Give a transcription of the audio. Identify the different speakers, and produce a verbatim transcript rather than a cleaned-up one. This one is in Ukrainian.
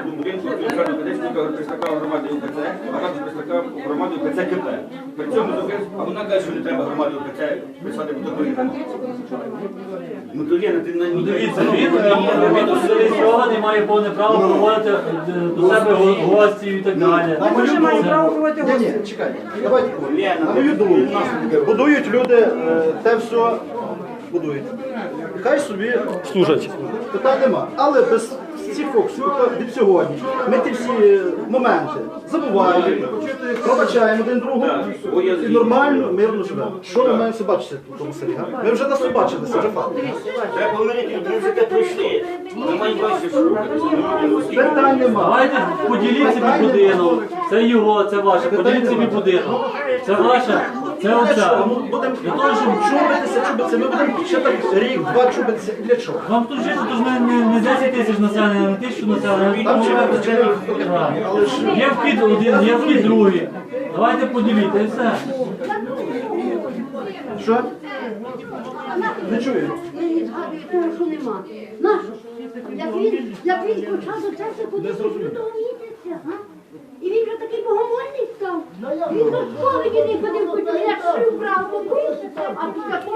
Speaker 1: будинку, відповідального кадетського представника громади УПЦ, а також представника громади УПЦ КП. При цьому, а вона каже, що не треба громаді УПЦ писати протоколі. Ну, то є, ти на ній.
Speaker 2: Дивіться, він, він зареєстрований, має повне право проводити до себе гості і так далі.
Speaker 3: Ми вже маємо право проводити
Speaker 4: Ні,
Speaker 3: гості.
Speaker 4: ні, чекайте. Давайте, на мою думку, будують люди, е, те все будують. Хай собі служать. Питань нема. Але без цих фокусів, від сьогодні, ми ті всі моменти забуваємо, пробачаємо один другу і нормально, мирно живемо. Що ми маємо бачити в тому селі? га? Ми вже нас побачили, це вже факт.
Speaker 1: Треба помирити, ми вже те пройшли. Ми маємо бачити, що робити.
Speaker 4: Питань нема.
Speaker 2: Давайте поділіть собі будинок. Це його, це ваше. Поділіть собі будинок. Це ваше, це оце.
Speaker 4: Будемо для того, щоб чубитися, чубитися, ми будемо ще так рік, два чубитися. Для чого?
Speaker 2: Вам тут жити, то ж не, не, не десять тисяч населення, не тисячу населення.
Speaker 4: Там
Speaker 2: Тому
Speaker 4: живе
Speaker 2: ви-
Speaker 4: вчитель, але ж
Speaker 2: Є вхід один, є вхід другий. Давайте поділіть, і все.
Speaker 4: що? Не чую.
Speaker 5: Не згадуєте, що нема. Нащо? Як він, як він почав до церкви ходити лютого місяця, га? І він вже такий богомольний став. Він до сповіді не ходив, хоч як шив брав, а після